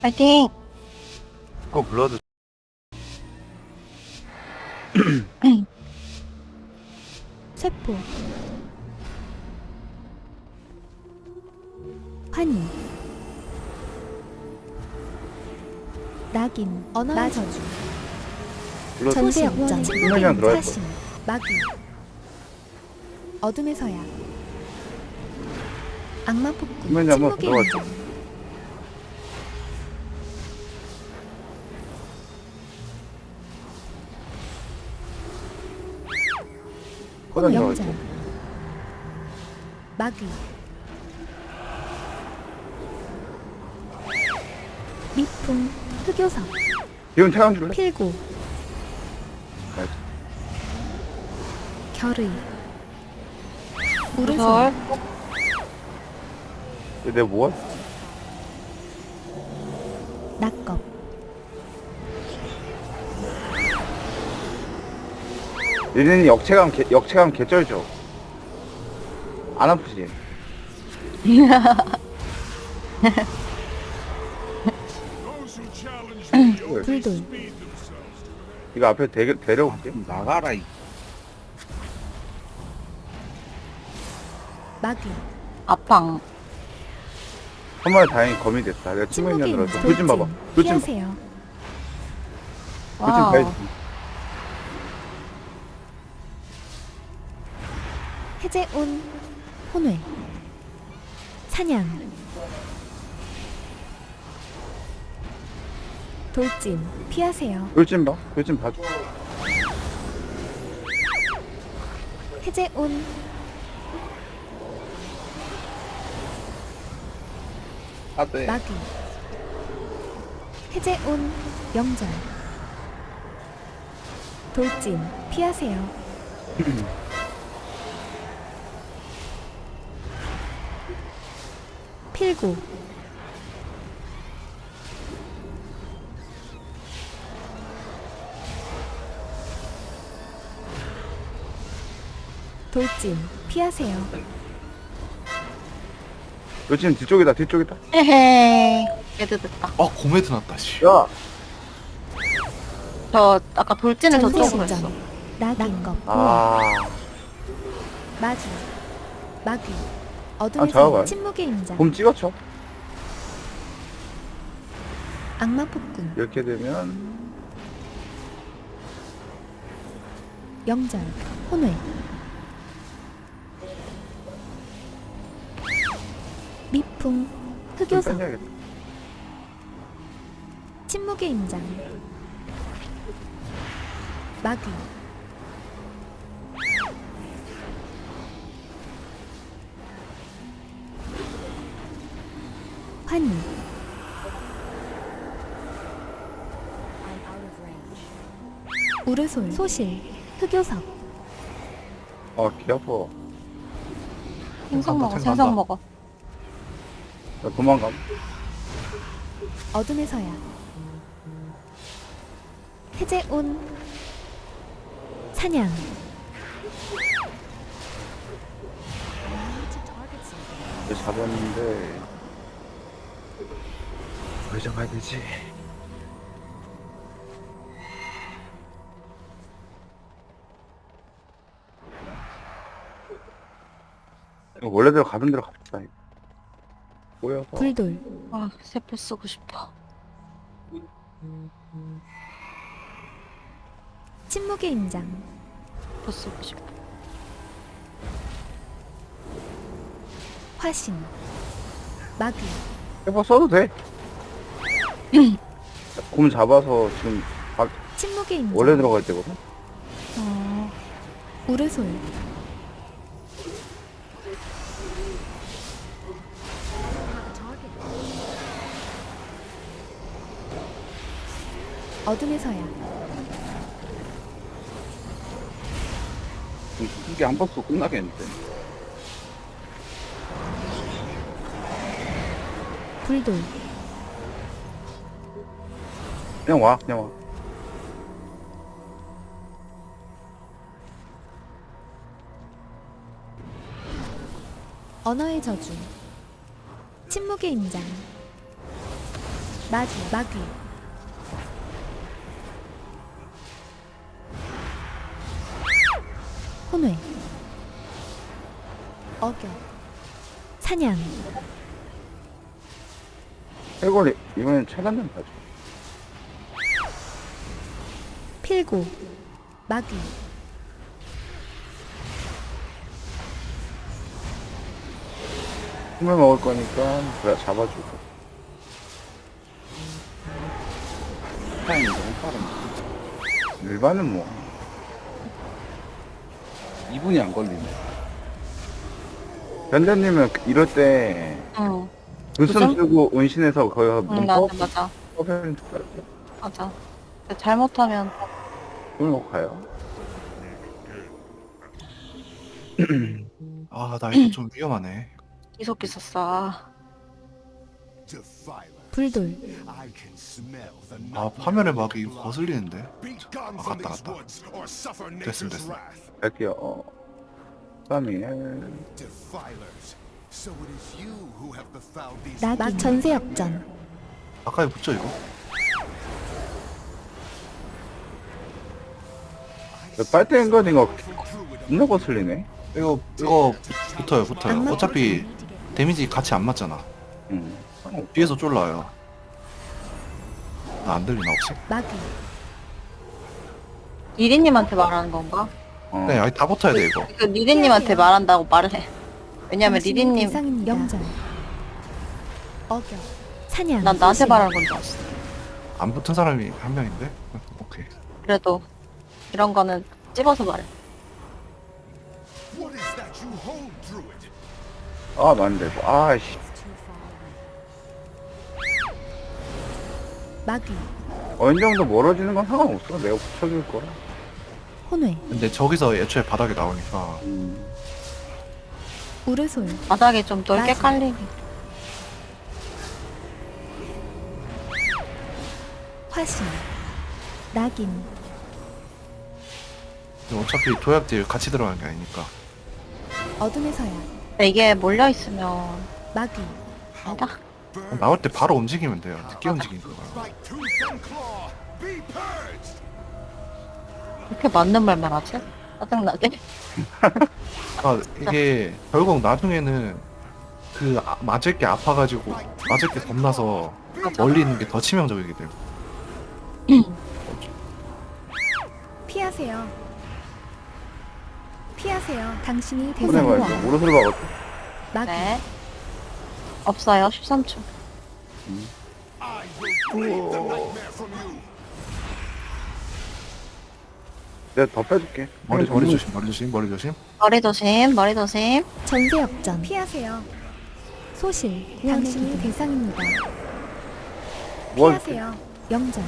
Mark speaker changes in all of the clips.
Speaker 1: 파이팅!
Speaker 2: 그거 블러드
Speaker 3: 세포 환희 낙인 언어의 저주
Speaker 2: 블러드
Speaker 3: 전세 역전
Speaker 2: 분명히 들어갈 거.
Speaker 3: 사신 마귀 어둠의 서약 악마 폭군
Speaker 2: 분명히 한번
Speaker 3: 침묵의
Speaker 2: 들어갈
Speaker 3: 인정
Speaker 2: 코단 들어갈
Speaker 3: 영절
Speaker 2: 거.
Speaker 3: 마귀 미풍 흑요석
Speaker 2: 기운 차감 줄래?
Speaker 3: 필고
Speaker 2: 알지.
Speaker 3: 결의
Speaker 1: 무설
Speaker 3: 우르솔
Speaker 2: 내가 뭐야?
Speaker 3: 낙겁
Speaker 2: 얘네는 역체감 개쩔죠. 안 아프지?
Speaker 3: 불돌
Speaker 2: 이거 앞에 데려올게.
Speaker 4: 나가라 이
Speaker 3: 마귀
Speaker 1: 아팡
Speaker 2: 한 마리 다행히 검이 됐다. 내가
Speaker 3: 침묵의
Speaker 2: 침묵인으로서
Speaker 3: 인정
Speaker 2: 불좀 봐봐. 불좀
Speaker 3: 피하세요
Speaker 1: 와우
Speaker 2: 봐야지.
Speaker 3: 해제온 혼회 사냥 돌진 피하세요
Speaker 2: 불좀 봐. 불좀 봐줘.
Speaker 3: 해제온
Speaker 4: 아돼
Speaker 3: 마귀 해제온 영절 돌진 피하세요 필고 돌진 피하세요
Speaker 2: 불좀 뒤쪽이다. 뒤쪽이다.
Speaker 1: 헤헤 애드됐다
Speaker 4: 고메드 났다 씨
Speaker 2: 야,
Speaker 1: 저 아까 돌진을 저쪽으로
Speaker 3: 전세
Speaker 1: 했어
Speaker 3: 실전 낙인겁
Speaker 2: 아,
Speaker 3: 마주 마귀
Speaker 2: 아,
Speaker 3: 어둠의
Speaker 2: 잡아봐요.
Speaker 3: 성 침묵의 임장
Speaker 2: 곰 찍어쳐.
Speaker 3: 악마 폭군
Speaker 2: 이렇게 되면
Speaker 3: 영절 혼회 미풍
Speaker 2: 좀
Speaker 3: 흑요석
Speaker 2: 빼야겠다.
Speaker 3: 침묵의 임장 마귀 환희 우르솔 소실 흑요석
Speaker 2: 개 아파.
Speaker 1: 생선 먹어
Speaker 4: 생선
Speaker 1: 생선
Speaker 4: 간다.
Speaker 1: 먹어
Speaker 2: 나 도망감.
Speaker 3: 어둠의 서약 해제온 사냥
Speaker 2: 이제 잡았는데 어디서 가야 되지? 이거 원래대로 가던 대로 갑시다. 이거. 꼬여서
Speaker 3: 불돌
Speaker 1: 아 세포 쓰고 싶어
Speaker 3: 침묵의 임장
Speaker 1: 세포 쓰고 싶어
Speaker 3: 화신 마귀
Speaker 2: 해봐 써도 돼. 곰 잡아서 지금
Speaker 3: 침묵의 임장
Speaker 2: 원래 들어갈 때거든.
Speaker 3: 우르솔 어둠의 서약
Speaker 2: 이게 한 번 쏘고 끝나겠는데.
Speaker 3: 불돌
Speaker 2: 그냥 와, 그냥 와.
Speaker 3: 언어의 저주 침묵의 임장 마귀. 혼외. 어겨. 사냥.
Speaker 2: 해골이 이번엔 차단된 봐줘.
Speaker 3: 필고. 마귀.
Speaker 2: 힘을 먹을 거니까 그래 잡아주고. 타임이 너무 빠른데. 일반은 뭐 2분이 안 걸리네. 변자님은 이럴 때
Speaker 1: 응.
Speaker 2: 눈썹
Speaker 1: 그죠?
Speaker 2: 쓰고 운신해서 거의
Speaker 1: 응, 맞아.
Speaker 2: 퍼센트
Speaker 1: 맞아. 근데 잘못하면
Speaker 2: 돈을 먹고 가요.
Speaker 4: 아, 나 이거 좀 위험하네.
Speaker 1: 이속기 썼어.
Speaker 3: 불돌.
Speaker 4: 아, 파멸의 막이 거슬리는데. 갔다. 됐음.
Speaker 2: 갈게요. 3일.
Speaker 3: 낙인. 전세 역전.
Speaker 4: 가까이 붙죠, 이거?
Speaker 2: 빨대 인거인 거 겁나 거슬리네.
Speaker 4: 이거 붙어요.
Speaker 3: 악마
Speaker 4: 어차피 데미지 같이 안 맞잖아. 뒤에서 쫄라요. 나 안 들리나 혹시?
Speaker 3: 마귀.
Speaker 1: 리리님한테 말하는 건가?
Speaker 4: 네, 아니 다 붙어야 돼 이거.
Speaker 1: 그 리리님한테 말한다고 말을 해. 왜냐면 리리님,
Speaker 3: 대상입니다. 영전. 어겨. 사냥.
Speaker 1: 난 나한테
Speaker 3: 소실.
Speaker 1: 말하는 건 줄 알았어.
Speaker 4: 안 붙은 사람이 한 명인데. 오케이.
Speaker 1: 그래도 이런 거는 찝어서 말해.
Speaker 2: 아, 맞네. 아이씨.
Speaker 3: 마귀.
Speaker 2: 어느 정도 멀어지는 건 상관없어. 내가 붙여줄 거야.
Speaker 3: 혼외.
Speaker 4: 근데 저기서 애초에 바닥에 나오니까
Speaker 3: 우르솔.
Speaker 1: 바닥에 좀 넓게
Speaker 3: 맞아.
Speaker 1: 깔리게.
Speaker 3: 화신. 낙인.
Speaker 4: 어차피 도약딜 같이 들어가는 게 아니니까.
Speaker 3: 어둠의 서약.
Speaker 1: 근데 이게 몰려있으면
Speaker 3: 마귀.
Speaker 1: 아니다.
Speaker 4: 나올 때 바로 움직이면 돼요. 늦게 움직이는 거야.
Speaker 1: 이렇게 맞는 말만 하지? 짜증나게.
Speaker 4: 아, 이게 결국 나중에는 맞을 게 아파가지고 맞을 게 겁나서 멀리 있는 게 더 치명적이게 돼요.
Speaker 3: 피하세요. 피하세요. 당신이
Speaker 2: 손해
Speaker 3: 대상과
Speaker 2: 봐야지. 오른손을 봐거든.
Speaker 3: 마귀.
Speaker 1: 네. 없어요. 13초.
Speaker 2: 내가 더 빼줄게.
Speaker 4: 머리 조심.
Speaker 1: 머리 조심, 머리 조심.
Speaker 3: 전세 역전. 피하세요. 소실. 당신이 대상입니다.
Speaker 2: 뭐
Speaker 3: 피하세요. 영전.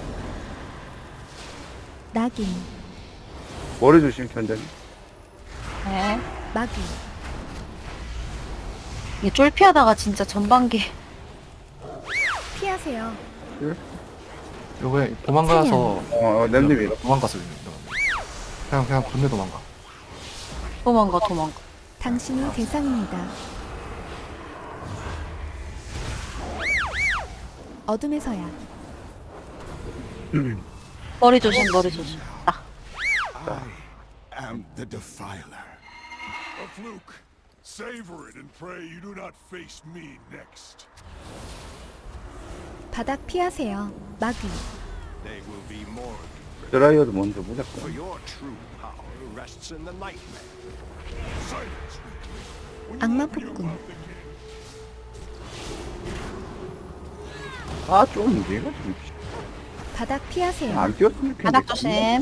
Speaker 3: 낙인.
Speaker 2: 머리 조심, 견자님.
Speaker 1: 네.
Speaker 3: 마귀.
Speaker 1: 이게 쫄피하다가 진짜 전반기.
Speaker 3: 피하세요.
Speaker 4: 요게 도망가서
Speaker 2: 냄새
Speaker 4: 도망가서 그냥 건네 도망가.
Speaker 1: 도망가.
Speaker 3: 당신이 대상입니다. 어둠의 서약.
Speaker 1: 머리 조심. 아,
Speaker 5: I am the Defiler. Of Luke, savor it and pray you do not face me next.
Speaker 3: 바닥 피하세요. 마귀.
Speaker 5: They will be more
Speaker 2: 드라이어도 먼저 무조건.
Speaker 5: for your true power rests in the nightmare. Silence.
Speaker 3: 악마 폭군.
Speaker 2: 아, 좀 얘가 좀
Speaker 3: 바닥 피하세요.
Speaker 2: 안 뛰었으면 좋겠는데.
Speaker 1: 바닥 조심.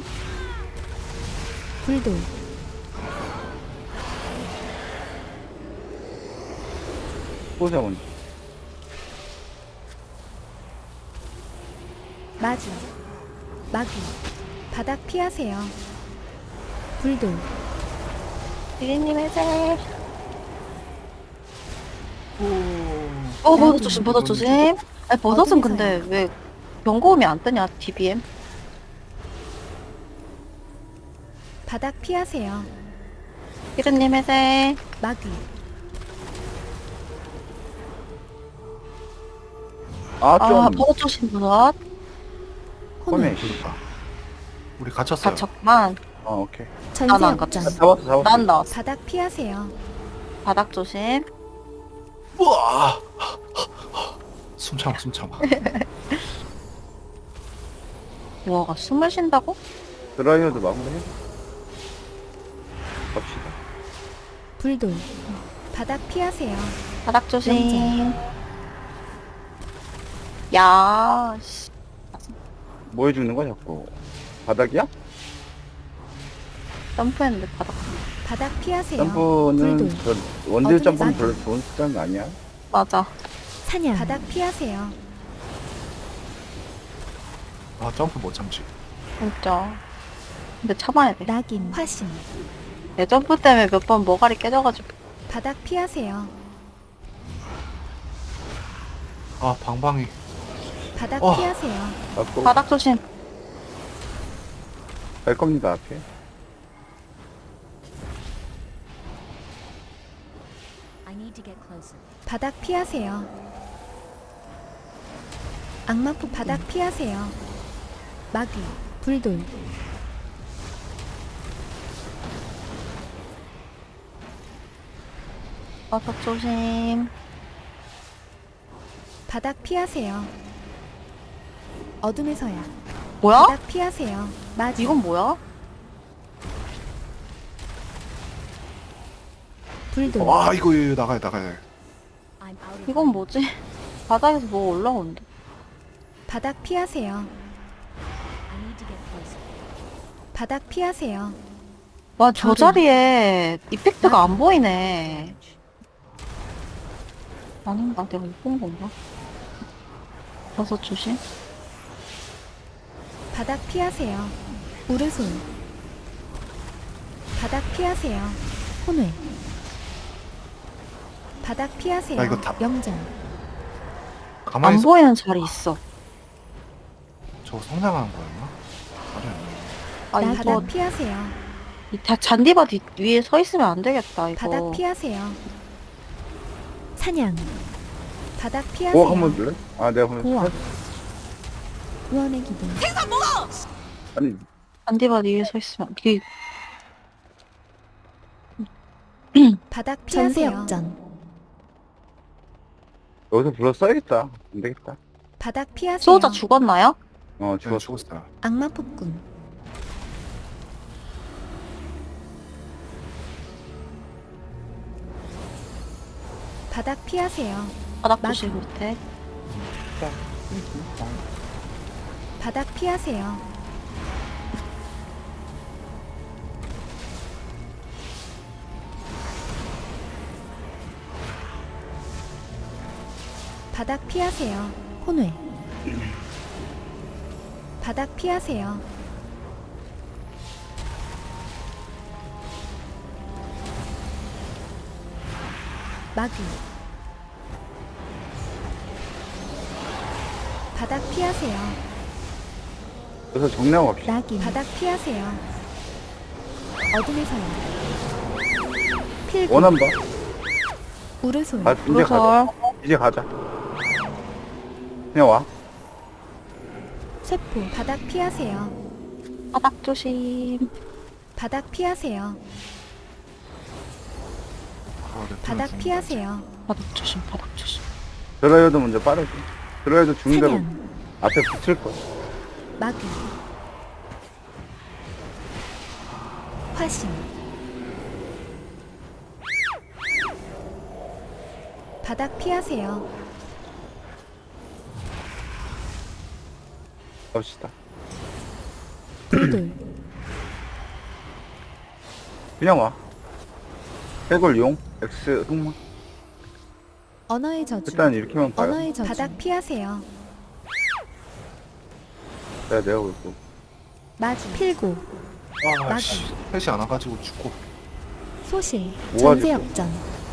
Speaker 3: 불돌.
Speaker 2: 보자 먼저.
Speaker 3: 마귀. 마귀. 바닥 피하세요. 불돌.
Speaker 1: 리리님 해제. 버섯 조심. 아니, 버섯은 근데 왜 경고음이 안 뜨냐, DBM?
Speaker 3: 바닥 피하세요.
Speaker 1: 히르님 해제.
Speaker 3: 마귀.
Speaker 2: 아,
Speaker 1: 아,
Speaker 2: 좀.
Speaker 1: 버섯 조심, 버섯.
Speaker 2: 꺼내.
Speaker 3: 혼외,
Speaker 4: 그러니까 우리 갇혔어요.
Speaker 1: 다쳤구만.
Speaker 2: 오케이.
Speaker 3: 전세
Speaker 1: 안
Speaker 3: 역전,
Speaker 2: 잡았어.
Speaker 1: 난 나왔어.
Speaker 3: 바닥 피하세요.
Speaker 1: 바닥 조심.
Speaker 4: 우와. 숨 참아, 숨 참아.
Speaker 1: 뭐가 숨을 쉰다고?
Speaker 2: 드라이어도 마무리해. 갑시다.
Speaker 3: 불돌, 바닥 피하세요.
Speaker 1: 바닥 조심. 야, 씨.
Speaker 2: 뭐 해주는 거야, 자꾸? 바닥이야?
Speaker 1: 점프했는데 바닥.
Speaker 3: 바닥 피하세요.
Speaker 2: 점프는,
Speaker 3: 불돌,
Speaker 2: 저, 원딜
Speaker 3: 어둠의
Speaker 2: 점프는
Speaker 3: 산.
Speaker 2: 별로 좋은 습관 아니야?
Speaker 1: 맞아.
Speaker 3: 사냥, 바닥 피하세요.
Speaker 4: 아 점프 못 참지.
Speaker 1: 진짜. 근데 참아야 돼.
Speaker 3: 낙인, 화신,
Speaker 1: 내 점프 때문에 몇 번 머가리 깨져가지고.
Speaker 3: 바닥 피하세요.
Speaker 4: 아 방방이.
Speaker 3: 바닥
Speaker 4: 어.
Speaker 3: 피하세요.
Speaker 2: 갖고
Speaker 1: 바닥 조심.
Speaker 2: 갈 겁니다, 앞에.
Speaker 3: 바닥 피하세요. 악마폭 바닥 피하세요. 마귀, 불돌,
Speaker 1: 바닥 조심.
Speaker 3: 바닥 피하세요. 어둠의 서야,
Speaker 1: 뭐야?
Speaker 3: 바닥 피하세요. 마지,
Speaker 1: 이건 뭐야?
Speaker 3: 불돌,
Speaker 4: 와 이거 나가야 나가야.
Speaker 1: 이건 뭐지? 바닥에서 뭐 올라오는데?
Speaker 3: 바닥 피하세요. 바닥 피하세요.
Speaker 1: 와, 저
Speaker 3: 저도.
Speaker 1: 자리에 이펙트가 안 보이네. 아닌가? 내가 못 본 건가? 버섯 조심.
Speaker 3: 바닥 피하세요. 우르솔, 바닥 피하세요. 혼외, 바닥 피하세요.
Speaker 4: 야, 이거 다-
Speaker 3: 영전,
Speaker 4: 가만히
Speaker 1: 안
Speaker 4: 있어.
Speaker 1: 보이는 자리 있어.
Speaker 4: 저거 성장하는 거였나? 아니
Speaker 1: 아,
Speaker 3: 바닥
Speaker 1: 이거
Speaker 3: 피하세요.
Speaker 1: 잔디밭 위에 서 있으면 안 되겠다, 이거.
Speaker 3: 바닥 피하세요. 사냥, 바닥 피하세요.
Speaker 2: 뭐 한번 줄래? 아, 내가 한번
Speaker 3: 고아,
Speaker 2: 쳐-
Speaker 3: 구원의 기둥,
Speaker 2: 아니,
Speaker 1: 잔디밭 위에 서 있으면 이게
Speaker 3: 바닥 피하세요. 전세 역전,
Speaker 2: 여기서 불러 써야겠다. 안 되겠다.
Speaker 3: 바닥 피하세요.
Speaker 1: 수호자 죽었나요?
Speaker 2: 어,
Speaker 4: 제가
Speaker 2: 죽었어.
Speaker 4: 죽었어요.
Speaker 3: 악마 폭군, 바닥 피하세요.
Speaker 1: 바닥
Speaker 3: 맞아.
Speaker 1: 조심 밑에.
Speaker 3: 바닥 피하세요. 바닥 피하세요. 혼외, 바닥 피하세요. 마귀, 바닥 피하세요.
Speaker 2: 그래서 정리하고 갑시다.
Speaker 3: 낙인, 바닥 피하세요. 어둠의 서야, 필구,
Speaker 2: 원한 봐.
Speaker 3: 우르솔,
Speaker 2: 아, 이제 가자.
Speaker 1: 로설.
Speaker 2: 이제 가자. 그냥 와.
Speaker 3: 세포, 바닥 피하세요.
Speaker 1: 바닥 조심.
Speaker 3: 바닥 피하세요.
Speaker 4: 아, 내
Speaker 3: 바닥
Speaker 4: 폰에서
Speaker 3: 피하세요.
Speaker 1: 바닥 조심, 바닥 조심.
Speaker 2: 드라이어도 먼저 빠르지. 드라이어도 죽는 대로
Speaker 3: 사냥,
Speaker 2: 앞에 붙일 거야.
Speaker 3: 마귀, 화신, 바닥 피하세요.
Speaker 2: 갑시다.
Speaker 3: 불돌,
Speaker 2: 그냥 와. 해골 용, X 흑마.
Speaker 3: 언어의 저주,
Speaker 2: 일단 이렇게만 봐요.
Speaker 3: 언어의 저주, 바닥 피하세요.
Speaker 2: 내가 볼고.
Speaker 3: 마주, 필구,
Speaker 4: 아,
Speaker 3: 나도.
Speaker 4: 씨. 셋이 안 와가지고 죽고.
Speaker 3: 소실,
Speaker 2: 뭐가
Speaker 3: 전세
Speaker 2: 됐어?
Speaker 3: 역전,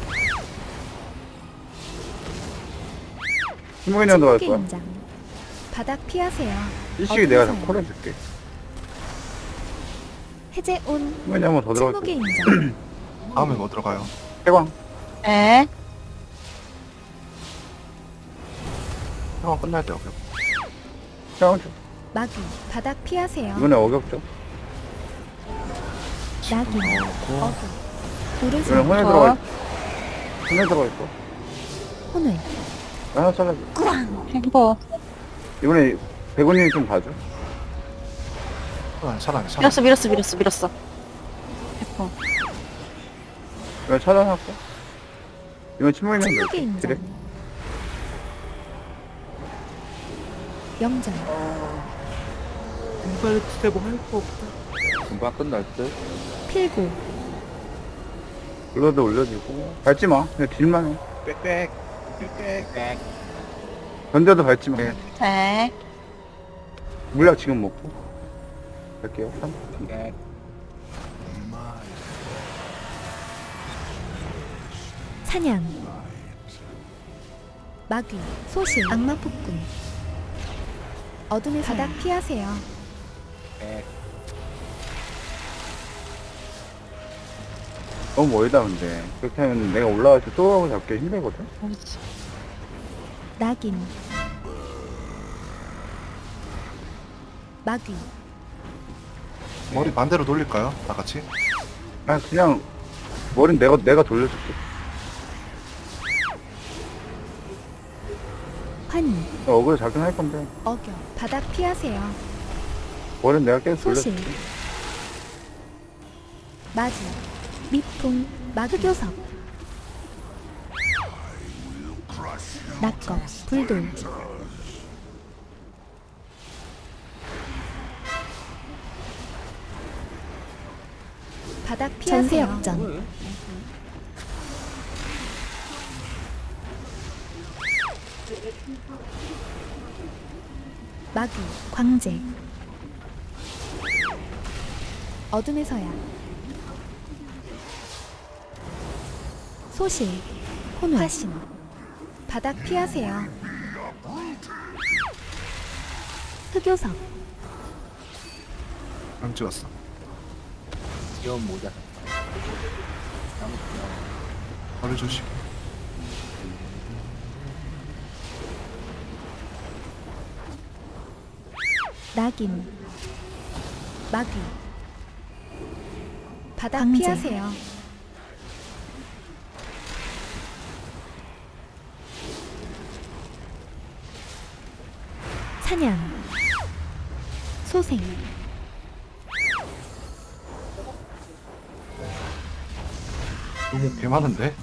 Speaker 2: 신문이랑 들어갈
Speaker 3: 침묵의
Speaker 2: 거야.
Speaker 3: 인장, 바닥 피하세요.
Speaker 2: 일식이 내가
Speaker 3: 어둠의
Speaker 2: 다
Speaker 3: 서야,
Speaker 2: 콜해줄게.
Speaker 3: 해제 온,
Speaker 2: 신문이 한번 더 들어갈
Speaker 3: 침묵의
Speaker 2: 거야.
Speaker 3: 인장,
Speaker 4: 다음에 뭐 들어가요?
Speaker 2: 해광.
Speaker 1: 에?
Speaker 4: 상황 끝날 때 어격.
Speaker 2: 태양 줘.
Speaker 3: 마귀 바닥 피하세요.
Speaker 2: 이번에 어격죠.
Speaker 3: 낙인
Speaker 4: 넣고
Speaker 3: 어교
Speaker 2: 이번에
Speaker 3: 오른손
Speaker 2: 혼에
Speaker 1: 좋아.
Speaker 2: 들어가 있어. 혼에 들어가 있어.
Speaker 3: 혼을
Speaker 2: 하나 잘라줘.
Speaker 1: 햄버.
Speaker 2: 이번에 백원님이 좀 봐줘.
Speaker 4: 차단.
Speaker 1: 밀었어. 해퍼.
Speaker 2: 이번에 차단할까? 이번에 침묵이면
Speaker 3: 침묵의
Speaker 2: 그래.
Speaker 3: 인장 영장
Speaker 4: 이발 스텝 할거 없다.
Speaker 2: 금방 끝날 듯.
Speaker 3: 필고
Speaker 2: 블러드 올려주고. 밟지 마. 그냥 딜만 해.
Speaker 4: 빽빽.
Speaker 2: 던져도 밟지 마.
Speaker 1: 네.
Speaker 2: 물약 지금 먹고. 갈게요. 3.
Speaker 3: 사냥 마귀 소실 악마 폭군 어둠의 바닥 피하세요.
Speaker 2: 너무 멀다 근데. 그렇게 하면 내가 올라갈 때 또 잡기 힘들거든.
Speaker 3: 낙인 마귀
Speaker 4: 머리 반대로 돌릴까요? 다 같이?
Speaker 2: 아 그냥 머리는 내가 돌려줄게.
Speaker 3: 환희
Speaker 2: 어그로 작용할 건데
Speaker 3: 어겨 바닥 피하세요.
Speaker 2: 머리는 내가 계속
Speaker 3: 소실
Speaker 2: 돌려줄게.
Speaker 3: 마주 미풍 마그교석 낙겁 불돌 바닥 피하세요. 전세역전 마귀 광재 어둠의 서야 소실 혼외 화신 바닥 피하세요. 흑요석
Speaker 4: 안 찍었어.
Speaker 6: 귀여운 모자.
Speaker 4: 머리 조심.
Speaker 3: 낙인 마귀 바닥 피하세요. 사냥 소생
Speaker 4: 너무 개 많은데?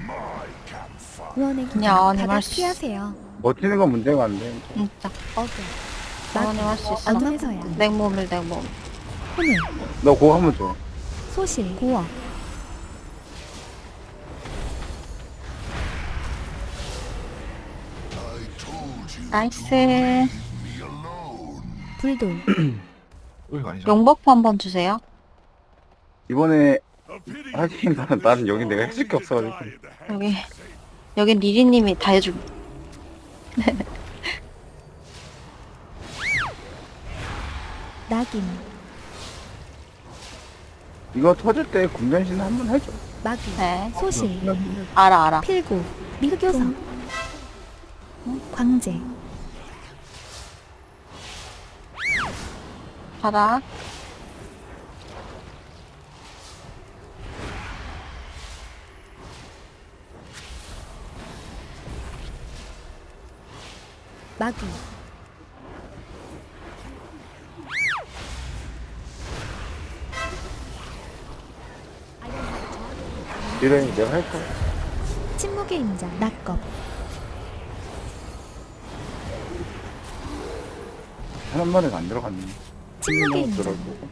Speaker 3: 의원의
Speaker 1: 그냥
Speaker 3: 기둥
Speaker 1: 안에
Speaker 3: 바닥
Speaker 1: 할 수-
Speaker 3: 피하세요.
Speaker 2: 버티는 건 문제가 안 돼.
Speaker 1: 진짜.
Speaker 3: 어겨
Speaker 1: 어머님 할 수 있어.
Speaker 3: 어둠의 서야
Speaker 1: 냉몸.
Speaker 3: 혼을
Speaker 2: 너 그거 한번 줘.
Speaker 3: 소실 고어
Speaker 1: 나이스.
Speaker 3: 불돌
Speaker 4: 여기가 아니죠.
Speaker 1: 용버프 한번 주세요.
Speaker 2: 이번에
Speaker 5: A pity
Speaker 2: 하긴 나는 여기 내가 해줄 게 없어가지고.
Speaker 1: 여긴 리리님이 다 해주고.
Speaker 3: 낙인
Speaker 2: 이거 터질 때 군변신 한번 해줘.
Speaker 3: 마귀
Speaker 1: 네.
Speaker 3: 소실
Speaker 1: 알아.
Speaker 3: 필고 흑요석 광재
Speaker 1: 바닥.
Speaker 3: 마귀
Speaker 2: 이래 내가 할 거야.
Speaker 3: 침묵의 인장 낙겁
Speaker 2: 한 마리가 안 들어갔네.
Speaker 3: 침묵의 인장
Speaker 2: 들어가고.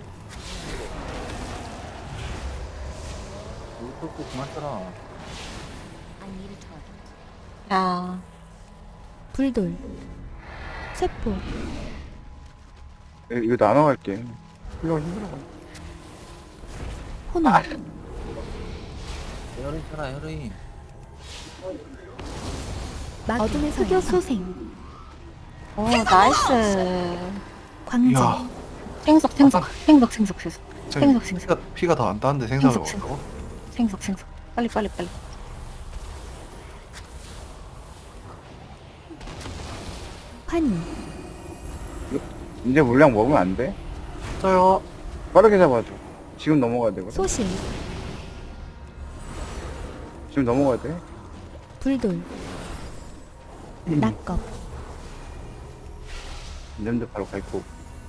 Speaker 6: 물 끓고 그만 떠라.
Speaker 1: 야.
Speaker 3: 불돌 세포
Speaker 2: 이거 나눠갈게. 이거 힘들어.
Speaker 3: 혼을
Speaker 6: 헤어린 쳐라, 헤어린.
Speaker 3: 마귀 어둠의 흑요 소생
Speaker 1: 오, 나이스.
Speaker 3: 광재
Speaker 4: 이야.
Speaker 1: 생석.
Speaker 4: 피가 더 안 따는데 생각을
Speaker 1: 생석,
Speaker 4: 먹었다고?
Speaker 1: 생석. 빨리.
Speaker 3: 환희,
Speaker 2: 이제 물량 먹으면 안 돼?
Speaker 4: 써요.
Speaker 2: 빠르게 잡아줘. 지금 넘어가야 되거든.
Speaker 3: 소실,
Speaker 2: 지금 넘어가야 돼.
Speaker 3: 불돌, 낙겁,
Speaker 2: 냄새 바로 갈 거고.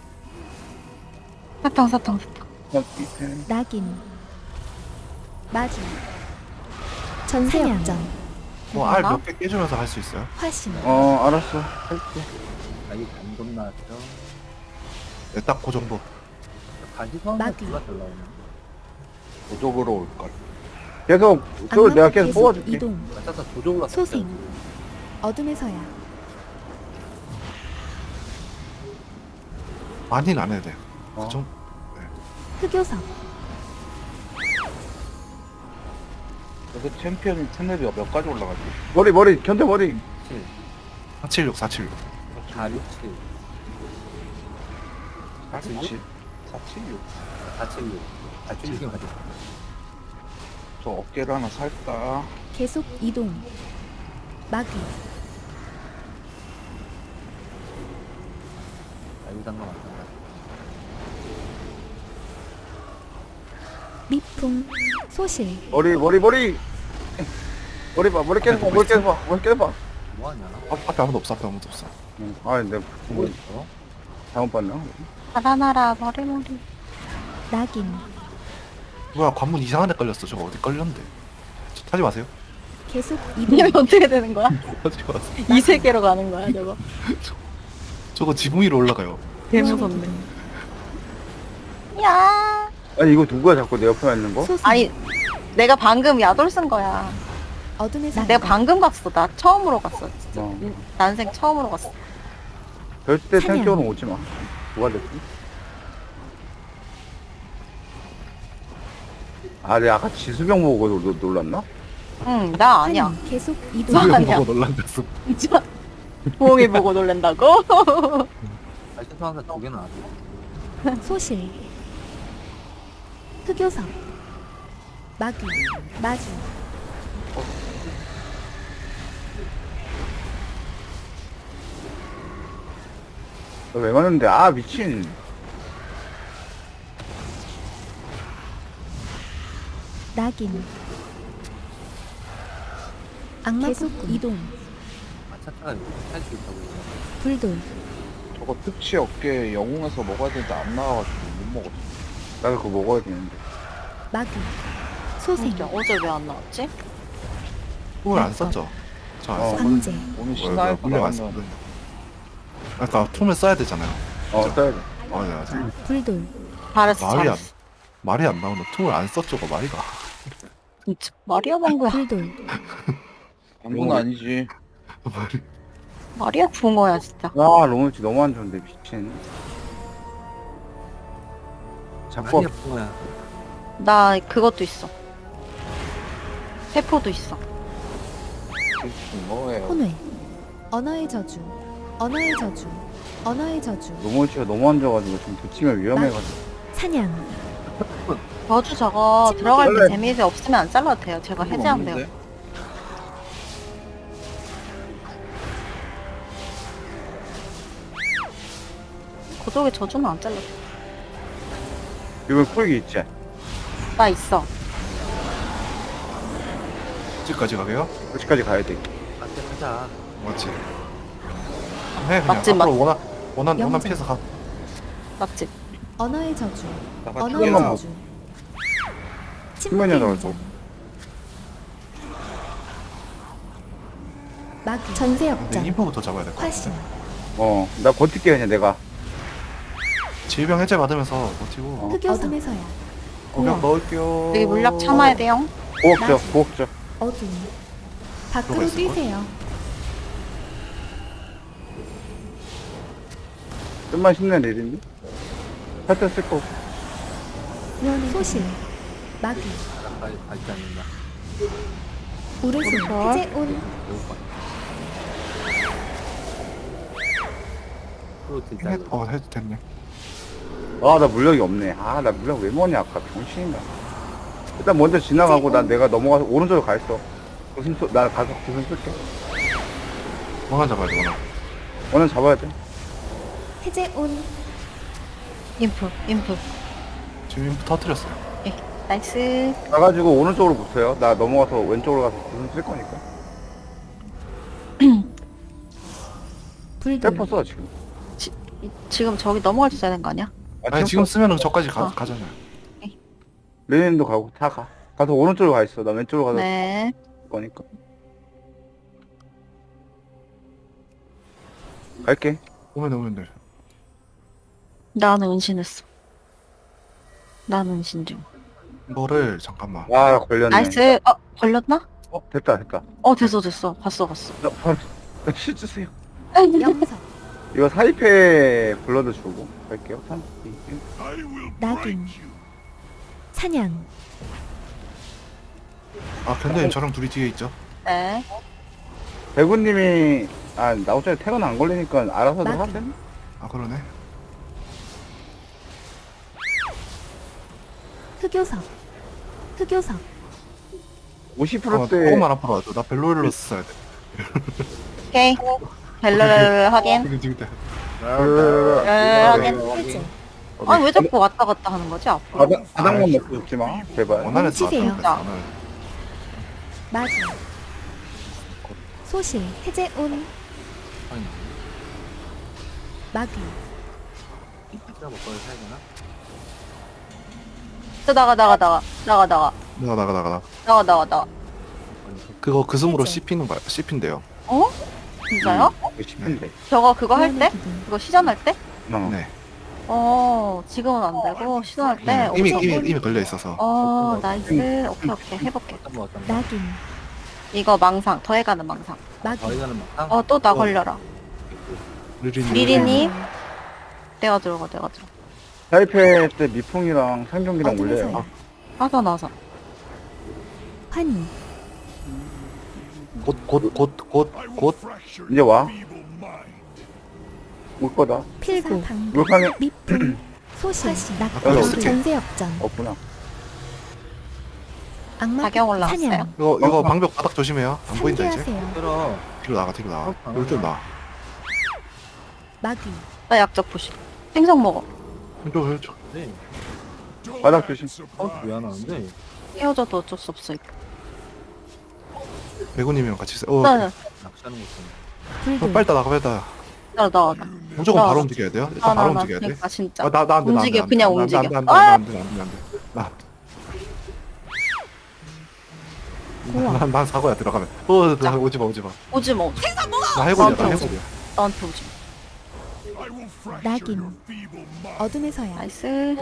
Speaker 1: 사탕.
Speaker 3: 낙인, 마주, 전세역전,
Speaker 4: 뭐알 몇 개 깨주면서 할 수 있어요?
Speaker 3: 화신,
Speaker 2: 알았어. 할게.
Speaker 6: 아, 이 감금 나왔죠.
Speaker 4: 네, 딱 그 정도.
Speaker 6: 가시성은
Speaker 3: 마귀.
Speaker 6: 누가 잘 나오냐.
Speaker 2: 도적으로 올걸. 계속, 그걸 내가 계속 뽑아줄게.
Speaker 3: 이동,
Speaker 6: 맞아서 조종으로
Speaker 3: 소생, 어둠에서야,
Speaker 4: 많이는 안 해도 돼요.
Speaker 2: 어.
Speaker 4: 좀
Speaker 3: 흑요석,
Speaker 7: 그래서 챔피언 채널이 몇 가지 올라가지?
Speaker 2: 머리, 견뎌 머리.
Speaker 6: 7,
Speaker 4: 476, 476.
Speaker 6: 4, 6, 7,
Speaker 7: 476? 476?
Speaker 6: 4, 7, 6. 4, 7, 6이 맞아.
Speaker 7: 저 어깨를 하나 살까?
Speaker 3: 계속 이동, 마귀,
Speaker 6: 자유상과 마찬가지.
Speaker 3: 미풍, 소실,
Speaker 2: 머리. 머리 깨봐.
Speaker 6: 뭐하냐?
Speaker 4: 앞에 아무도 없어.
Speaker 2: 응. 내가
Speaker 6: 뭐 있어?
Speaker 2: 잘못 봤나?
Speaker 1: 달아나라 머리.
Speaker 3: 낙인,
Speaker 4: 뭐야, 관문 이상한 데 걸렸어. 저거 어디 걸렸는데? 하지 마세요.
Speaker 3: 계속 이동,
Speaker 1: 이게 어떻게 되는 거야?
Speaker 4: 하지 마세요.
Speaker 1: 이 세계로 가는 거야 저거.
Speaker 4: 저거 지붕 위로 올라가요.
Speaker 1: 개무섭네. 야.
Speaker 2: 아니 이거 누구야 자꾸 내 옆에 있는 거?
Speaker 3: 소생,
Speaker 1: 아니 내가 방금 야돌 쓴 거야.
Speaker 3: 어둠에서
Speaker 1: 내가 방금 갔어. 나 처음으로 갔어. 진짜.
Speaker 2: 어.
Speaker 1: 난생 처음으로 갔어.
Speaker 2: 절대
Speaker 3: 사냥.
Speaker 2: 탱쪽으로 오지 마. 뭐가 됐지? 내가 아까 지수병 보고 놀랐나?
Speaker 1: 응, 나 아니야.
Speaker 3: 환희, 계속 이동,
Speaker 4: 지붕
Speaker 1: 아니야.
Speaker 4: 보고 놀란댔어.
Speaker 1: 진짜. 부엉이 보고 놀랜다고?
Speaker 6: 가시성한테 2개 나왔어.
Speaker 3: 소실, 흑요석, 마귀, 마주,
Speaker 2: 왜 맞는데? 미친.
Speaker 3: 낙인, 악마 계속 이동,
Speaker 6: 마차차가 할수 있다고.
Speaker 3: 불돌,
Speaker 7: 저거 특치 어깨 영웅에서 먹어야 되는데 안 나와가지고 못 먹었어.
Speaker 2: 나도 그거 먹어야 되는데.
Speaker 3: 마귀, 소생,
Speaker 1: 진짜 어제 왜 안 나왔지?
Speaker 4: tum을 안 썼죠? 저 안
Speaker 2: 어.
Speaker 4: 썼.
Speaker 3: 광재,
Speaker 7: 오늘 신나할
Speaker 4: 물량 안 썼는데. 아까 tum을 써야 되잖아요.
Speaker 2: 써야 돼.
Speaker 4: 맞아.
Speaker 3: 불돌,
Speaker 1: 잘했어,
Speaker 4: 말이 안
Speaker 1: 잘했어.
Speaker 4: 말이 안 나오는 tum을 안 썼죠가 말이가.
Speaker 1: 진짜. 마리아 방구야.
Speaker 3: 불돌,
Speaker 7: 방구는 아니지.
Speaker 4: 말이.
Speaker 1: 마리아 붕어야, 진짜.
Speaker 2: 로몬치 너무 안 좋은데 미친. 자꾸
Speaker 6: 많이 아픈 거야.
Speaker 1: 나 그것도 있어. 세포도 있어.
Speaker 7: 뭐예요?
Speaker 3: 혼회, 언어의 저주, 언어의 저주, 언어의 저주,
Speaker 2: 로몬치가 너무 안 좋아가지고 지금 붙이면 위험해가지고.
Speaker 3: 사냥,
Speaker 1: 저주 저거
Speaker 3: 침묵이
Speaker 1: 들어갈 때
Speaker 2: 원래-
Speaker 1: 데미지 없으면 안 잘라도 돼요. 제가 해제하면 돼요. 고독의 저주는 안 잘라도 돼.
Speaker 2: 이번 쿨기 있지?
Speaker 1: 나 있어.
Speaker 4: 집까지 가게요?
Speaker 2: 그치까지 가야 돼.
Speaker 6: 맞게 하자.
Speaker 4: 맞지. 해 그냥
Speaker 1: 맞지,
Speaker 4: 앞으로 원한
Speaker 3: 영장.
Speaker 4: 피해서 가.
Speaker 1: 맞지?
Speaker 3: 언어의 저주,
Speaker 7: 나가
Speaker 3: 언어의
Speaker 2: 잠깐만.
Speaker 3: 저주,
Speaker 2: 신문이
Speaker 3: 침묵의
Speaker 2: 나와서.
Speaker 3: 인장, 마귀, 전세역전,
Speaker 4: 근데 인포부터 잡아야 될 것
Speaker 3: 화신,
Speaker 4: 같아.
Speaker 2: 나 버틸게 그냥 내가.
Speaker 4: 질병 해제 받으면서 버티고.
Speaker 3: 흑요석, 어둠에서야,
Speaker 4: 공격
Speaker 3: 공허,
Speaker 4: 넣을게요.
Speaker 1: 여기 물약 참아야 돼요.
Speaker 2: 고억져.
Speaker 3: 어둠, 밖으로
Speaker 4: 들어가 있을걸?
Speaker 3: 뛰세요,
Speaker 2: 좀만 힘낸 일인데? 살짝 쓸 거.
Speaker 3: 소실, 마귀,
Speaker 6: 나까지 가지 않는다.
Speaker 3: 우르솔,
Speaker 1: 우르솔.
Speaker 3: 해제온,
Speaker 6: 배울 거야. 프로 진짜.
Speaker 4: 해도 됐네.
Speaker 2: 나 물력이 없네. 나 물력 왜 뭐냐 아까 병신인가. 일단 먼저 지나가고 난 내가 넘어가서 오른쪽으로 가 있어. 나 가서 기술 쓸게.
Speaker 4: 원한 잡아야 돼 원한.
Speaker 2: 오늘 잡아야 돼.
Speaker 3: 해제 온.
Speaker 1: 인프.
Speaker 4: 지금 인프 터뜨렸어요.
Speaker 1: 나이스.
Speaker 2: 가가지고 오른쪽으로 붙어요. 나 넘어가서 왼쪽으로 가서 무슨 쓸 거니까.
Speaker 3: 불들.
Speaker 2: 셀퍼 써 지금.
Speaker 1: 지금 저기 넘어갈 수 있어야 되는 거 아니야?
Speaker 4: 아니 지금 쓰면은 저까지
Speaker 1: 어.
Speaker 4: 가잖아요.
Speaker 2: 레닌도 가고 다 가. 가서 오른쪽으로 가 있어. 나 왼쪽으로 가서
Speaker 1: 네.
Speaker 2: 쓸 거니까. 갈게.
Speaker 4: 오면 돼.
Speaker 1: 나는 은신했어. 나는 은신 중.
Speaker 4: 이거를 잠깐만.
Speaker 2: 와 걸렸네.
Speaker 1: 나이스. 걸렸나?
Speaker 2: 됐다.
Speaker 1: 됐어. 봤어.
Speaker 2: 나 바로 실 주세요.
Speaker 3: 영석.
Speaker 2: 이거 사이페 블러드 주고 갈게요. 3, 2, 1.
Speaker 5: I will
Speaker 3: 낙인.
Speaker 5: blind you.
Speaker 3: 사냥.
Speaker 4: 아 견대님 저랑 둘이 뒤에 있죠.
Speaker 1: 네.
Speaker 2: 배구님이 나 어차피 태그는 안 걸리니까 알아서도
Speaker 3: 낙인.
Speaker 2: 하세요.
Speaker 4: 아 그러네.
Speaker 3: 흑요석. 흑요석.
Speaker 2: 50%대
Speaker 4: 조금만 앞으로 와줘. 나 벨로일러스 써야 돼.
Speaker 1: 오케이. 벨르르 확인.
Speaker 4: 지금
Speaker 1: 확인.
Speaker 3: 해제.
Speaker 1: 아니 왜 자꾸 왔다 갔다 하는 거지 앞으로?
Speaker 2: 바닥만 먹고 죽지 마. 제발.
Speaker 4: 원하는
Speaker 3: 뭉치세요.
Speaker 4: 원하는.
Speaker 3: 마주. 소실. 해제 온.
Speaker 6: 아니,
Speaker 3: 마귀.
Speaker 6: 진짜 먹방을 사야 되나?
Speaker 1: 나가.
Speaker 4: 그거 그 숨으로
Speaker 3: 해제.
Speaker 4: 씹힌대요.
Speaker 1: 어? 진짜요?
Speaker 2: 이거 10인데.
Speaker 1: 저거 그거 할 때?
Speaker 3: 기둥.
Speaker 1: 그거 시전할 때?
Speaker 4: 네.
Speaker 1: 지금은 안 되고 시전할 때.
Speaker 4: 이미 걸려 있어서.
Speaker 1: 나이스. 오케이 해볼게.
Speaker 6: 어떤 거?
Speaker 3: 낙인.
Speaker 1: 이거 망상 더해가는 망상.
Speaker 3: 마귀.
Speaker 6: 저희가는 막
Speaker 1: 또 나 걸려라. 리리님.
Speaker 3: 음.
Speaker 1: 내가 들어가.
Speaker 2: 사이페 때 미풍이랑 상경기랑 올려요.
Speaker 3: 어둠에서야.
Speaker 1: 하자.
Speaker 3: 환희.
Speaker 5: I will
Speaker 4: 곧
Speaker 5: fracture
Speaker 2: 이제 와.
Speaker 5: your feeble mind.
Speaker 2: 올 거다.
Speaker 3: 필고.
Speaker 2: 물방에
Speaker 3: 미풍. 소실. 낙.
Speaker 2: 여기
Speaker 4: 쓸게.
Speaker 3: 전세역전.
Speaker 2: 없구나.
Speaker 3: 악마.
Speaker 1: 자경 올라왔어요.
Speaker 3: 사냥.
Speaker 4: 이거 방벽 바닥 조심해요. 안 보인다 이제.
Speaker 3: 상쾌하세요.
Speaker 6: 들어.
Speaker 4: 뒤로 나가. 이쪽 나.
Speaker 3: 마귀.
Speaker 1: 나 약적 부시. 생선 먹어.
Speaker 4: 이쪽.
Speaker 6: 네.
Speaker 5: Don't
Speaker 2: 바닥
Speaker 5: act
Speaker 2: 조심.
Speaker 5: surprised.
Speaker 6: 왜안 하는데?
Speaker 1: 헤어져도 어쩔 수 없어. 이거.
Speaker 4: 배구님이랑 같이 있어.
Speaker 1: 나
Speaker 6: 낚시하는 거 있잖아.
Speaker 3: 불들.
Speaker 4: 빨리 나가.
Speaker 1: 나.
Speaker 4: 무조건
Speaker 1: 나.
Speaker 4: 바로 움직여야 돼요. 일단 바로 움직여야 돼.
Speaker 1: 그러니까 진짜.
Speaker 4: 나안 돼.
Speaker 1: 움직여, 그냥 움직여.
Speaker 4: 안돼.
Speaker 3: 고아.
Speaker 4: 난 사고야 들어가면. 나 오지 마.
Speaker 1: 오지 마.
Speaker 4: 나 해골이야.
Speaker 1: 나한테 나한테 오지 마.
Speaker 5: I will fracture
Speaker 3: 낙인.
Speaker 5: your feeble mind.
Speaker 3: 어둠에서야.
Speaker 1: 나이스.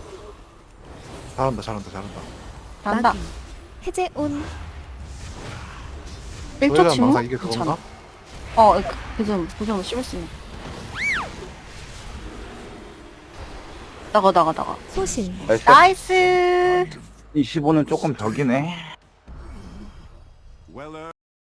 Speaker 4: 잘한다.
Speaker 1: 간다.
Speaker 3: 마귀. 해제 온.
Speaker 1: 1초
Speaker 4: 저희가
Speaker 1: 침묵?
Speaker 4: 망상 이게 그건가?
Speaker 1: 그좀 씹을 수 있는. 나가.
Speaker 3: 소실.
Speaker 2: 나이스.
Speaker 1: 나이스.
Speaker 2: 25는 조금 벽이네.